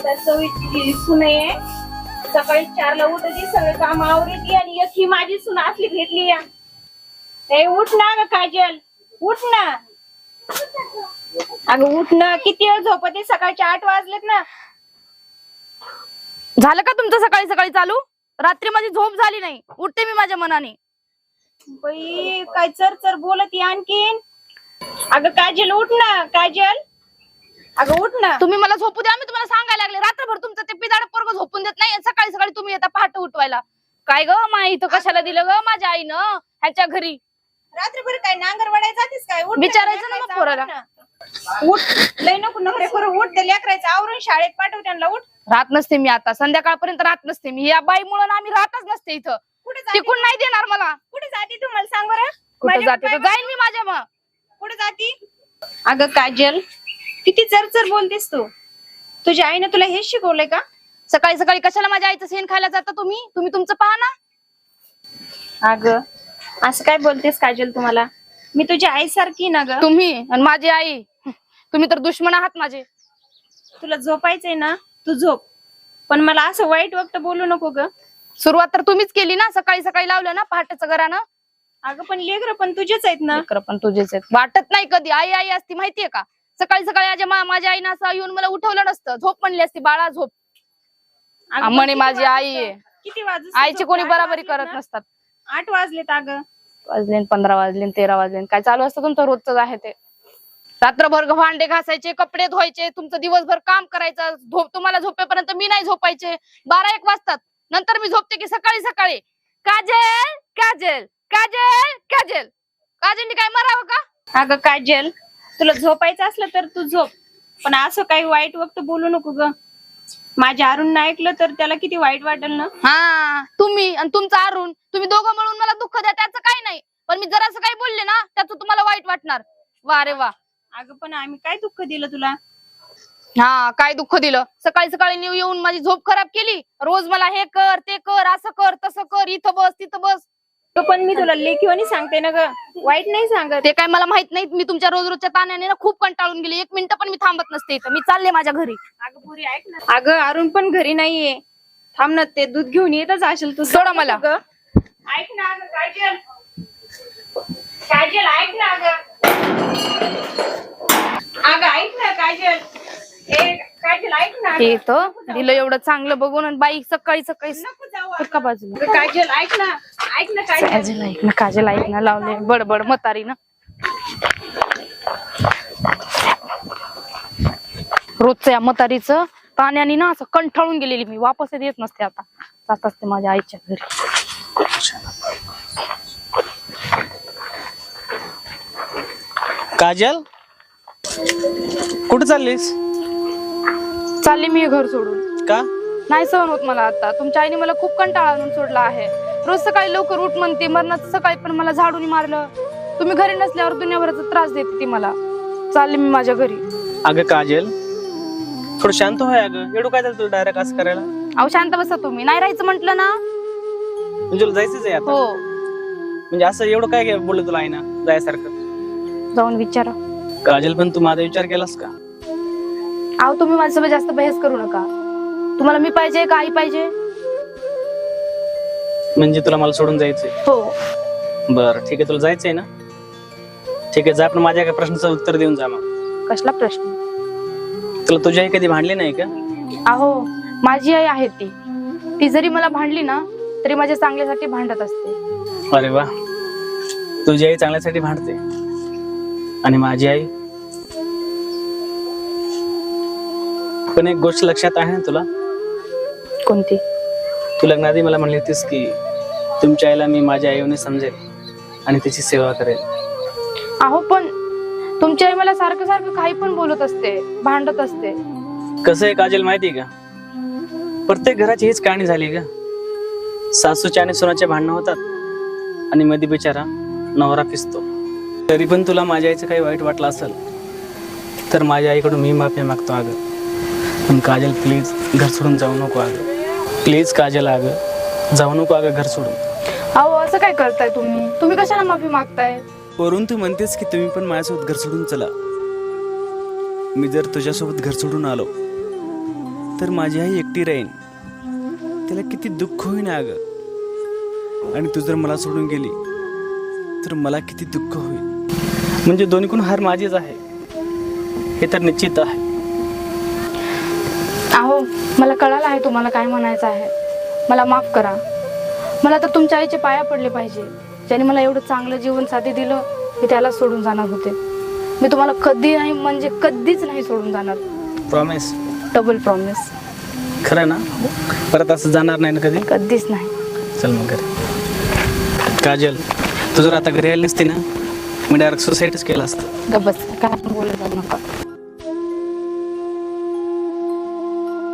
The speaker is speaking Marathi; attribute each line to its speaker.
Speaker 1: चवीची सून आहे. सकाळी 4ला उठती, सगळे काम आवरती आणि एक ही माझी सून असली भेटली या. ए उठ ना ग काजल, उठ ना. अगं उठ ना, किती वेळ झोपते? सकाळचे 8 वाजलेत ना.
Speaker 2: झालं का तुमचं सकाळी सकाळी चालू? रात्री माझी झोप झाली नाही, उठते मी माझ्या मनाने.
Speaker 1: बाई काय चर चर बोलती आणखीन. अगं काजल उठ ना, काजल अगं उठ ना.
Speaker 2: तुम्ही मला झोपू द्या, मी तुम्हाला सांगायला लागले. रात्रभर तुमचं ते पिदाड पोरग झोपून देत नाही, सकाळी सकाळी तुम्ही येता पहाटे उठवायला. काय ग माई, इथं कशाला दिलं ग माझ्या आईनं ह्याच्या घरी?
Speaker 1: रात्रभर काय नांगर वडायला जातेस काय? उठ
Speaker 2: विचारायचं ना मग पोराला.
Speaker 1: उठ, लय नको नखरे करू. उठ, ते लेकरायचं आवरून शाळेत पाठव त्यांना. उठ.
Speaker 2: राहत नसते मी आता, संध्याकाळपर्यंत राहत नसते मी. या बाईमुळे आम्ही राहतच नसते इथं.
Speaker 1: कुठे जाते?
Speaker 2: टिकून नाही देणार मला.
Speaker 1: कुठे जाती तू मला सांग बरं.
Speaker 2: कुठे जाते तर जाईन मी माझ्या मग.
Speaker 1: कुठे जाती? अगं काजल, किती चरचर बोलतेस तू. तुझ्या आईने तुला हेच शिकवलंय का?
Speaker 2: सकाळी सकाळी कशाला माझ्या आईचं शेण खायला जाता तुम्ही? तुम्ही तुमचं पहा ना.
Speaker 1: अगं असं काय बोलतेस काजल? तुम्हाला मी तुझी आई सारखी ना ग.
Speaker 2: तुम्ही आणि माझी आई, तुम्ही तर दुश्मन आहात माझे.
Speaker 1: तुला झोपायचंय ना, तू झोप. पण मला असं वाईट वक्त बोलू नको ग.
Speaker 2: सुरुवात तर तुम्हीच केली ना, सकाळी सकाळी लावलं ना पहाटेचं घरानं.
Speaker 1: अगं पण लेकरं पण तुझेच आहेत ना.
Speaker 2: लेकरं पण तुझेच आहेत. वाटत नाही कधी आई आई असती माहितीये का? सकाळी सकाळी माझ्या आईनं असं येऊन मला उठवलं नसतं. झोप म्हणली असती, बाळा झोप.
Speaker 1: अगं, पण
Speaker 2: म्हणे
Speaker 1: किती
Speaker 2: माझी आई
Speaker 1: वाजता-
Speaker 2: आहे.
Speaker 1: किती वाजू?
Speaker 2: आईची कोणी बराबरी करत नसतात.
Speaker 1: 8 वाजलेत अगं.
Speaker 2: वाजले 15 वाजले 13 वाजले, काय चालू असतं तुमचं रोजच आहे ते. रात्रभर भांडे घासायचे, कपडे धुवायचे, तुमचं दिवसभर काम करायचं. तुम्हाला झोपेपर्यंत मी नाही झोपायचे. 12-1 वाजतात. नंतर मी झोपते की सकाळी सकाळी. काजल काजल काजल काजल. काजलनी काय मरावं का?
Speaker 1: अगं काजल, तुला झोपायचं असलं तर तू झोप. पण असं काही वाईट वक्त बोलू नको ग. माझ्या अरुण ऐकलं तर त्याला किती वाईट वाटेल ना.
Speaker 2: हा, तुम्ही आणि तुमचा अरुण, तुम्ही दोघं मिळून मला दुःख द्या, त्याचं काही नाही. पण मी जरासं काही बोलले ना, त्याचं तुम्हाला वाईट वाटणार. वा रे वा.
Speaker 1: अगं पण आम्ही काय दुःख दिलं तुला?
Speaker 2: हा, काय दुःख दिलं? सकाळी सकाळी येऊन माझी झोप खराब केली. रोज मला हे कर ते कर, असं कर तसं कर, इथं बस तिथं बस.
Speaker 1: पण मी तुला लेखीवानी सांगते ना ग, वाईट नाही सांगत.
Speaker 2: ते काय मला माहित नाही. मी तुमच्या रोज रोजच्या ताण्याने ना खूप कंटाळून गेली. 1 मिनिट पण मी थांबत नसते इथं. मी चालले माझ्या घरी.
Speaker 1: अगं पुरी ऐक ना. अगं अरुण पण घरी नाहीये. थांब ना, ते दूध घेऊन येतच असेल तू.
Speaker 2: सोडा मला.
Speaker 1: ऐक ना अगं काजल. काजल ऐक ना अगं. अगं ऐक ना काजल. काजल ऐक ना.
Speaker 2: हे तर दिलं एवढं चांगलं बघून, आणि बाई सकाळी सकाळी
Speaker 1: नको जाऊ
Speaker 2: का बाजूला.
Speaker 1: अगं काजल ऐक ना. ऐक ना काजल.
Speaker 2: काजल ऐक ना, काजल ऐक ना, लावले बडबड म्हातारी ना. रोजचं या म्हातारीचं ताण्याने ना असं कंठाळून गेलेली मी. वापस येत नसते आता. जात असते माझ्या आईच्या घरी.
Speaker 3: काजल, कुठे चाललीस?
Speaker 2: चालली मी घर सोडून.
Speaker 3: का?
Speaker 2: नाही सहन होत मला आता. तुमच्या आईने मला खूप कंटाळा आणून सोडला आहे. रोज सकाळी लवकर उठ म्हणते, मरणाचं सकाळी पण मला झाडून मारलं. तुम्ही घरी नसल्यावर दुनियाभराचा त्रास देते ती मला. चालली मी माझ्या घरी.
Speaker 3: अगं काजल, थोडं शांत होय. अगं एवढं काय झालं तुला डायरेक्ट असं करायला?
Speaker 2: अहो शांत बसा तुम्ही. नाही राहायचं म्हंटल ना.
Speaker 3: म्हणजे तुला जायचंच आहे आता?
Speaker 2: हो,
Speaker 3: म्हणजे असं एवढं काय बोललं तुला आई ना जायसारखं?
Speaker 2: जाऊन विचारा.
Speaker 3: काजल, पण तू माझा विचार केलास का?
Speaker 2: अहो तुम्ही माझ्यासोबत जास्त बहस करू नका. तुम्हाला मी पाहिजे का आई पाहिजे?
Speaker 3: म्हणजे तुला मला सोडून जायचंय?
Speaker 2: हो.
Speaker 3: बरं ठीक आहे, तुला जायचंय ना? ठीक आहे, जा. पण माझ्या एका प्रश्नाचं उत्तर देऊन जा मग.
Speaker 2: कसला प्रश्न?
Speaker 3: तुला तुझी आई कधी भांडली नाही का?
Speaker 2: अहो माझी आई आहे ती. ती जरी मला भांडली ना तरी माझ्या चांगल्यासाठी भांडत असते.
Speaker 3: अरे वा, तुझी आई चांगल्यासाठी भांडते आणि माझी आई. पण एक गोष्ट लक्षात आहे ना तुला?
Speaker 2: कोणती?
Speaker 3: तू लग्नाआधी मला म्हणली होतीस की तुमच्या आईला मी माझ्या आईने समजेल आणि तिची सेवा करेल.
Speaker 2: अहो पण तुमची आई मला सारखं सारखं काही पण बोलत असते, भांडत असते.
Speaker 3: कसं आहे काजल माहितीये का, प्रत्येक घराची हीच कहाणी झाली का. सासूच्या आणि सुनाचे भांडणं होतात आणि मध्ये बिचारा नवरा पिसतो. तरी पण तुला माझ्या आईचं काही वाईट वाटलं असेल तर माझ्या आईकडून मी माफी मागतो. अगं पण काजल प्लीज घर सोडून जाऊ नको. अगं प्लीज काजल, अगं जाऊ नको अगं घर सोडून.
Speaker 2: अहो असं काय करताय तुम्ही? तुम्ही कशाला माफी मागताय?
Speaker 3: वरून तू म्हणतेस की तुम्ही पण माझ्यासोबत घर सोडून चला. मी जर तुझ्यासोबत घर सोडून आलो तर माझी आई एकटी राहीन. त्याला किती दुःख होईन अगं. आणि तू जर मला सोडून गेली तर मला किती दुःख होईल. म्हणजे दोन्हीकडून हार माझीच आहे हे तर निश्चित आहे.
Speaker 2: अहो मला कळालं आहे तुम्हाला काय म्हणायचं आहे. मला माफ करा. मला तर तुमच्या आईचे पाया पडले पाहिजे. ज्याने मला एवढं चांगलं जीवन साथी दिलं मी त्याला सोडून जाणार होते. मी तुम्हाला कधी नाही म्हणजे कधीच नाही सोडून जाणार.
Speaker 3: प्रॉमिस?
Speaker 2: Double promise.
Speaker 3: खरं ना? परत असं जाणार नाही ना कधी?
Speaker 2: कधीच नाही.
Speaker 3: चल मग घरी. काजल, तू जर आता घरी आली नसती ना मी डायरेक्ट सुसाईडच केलं असतं.
Speaker 2: गबस काय बोलत नका.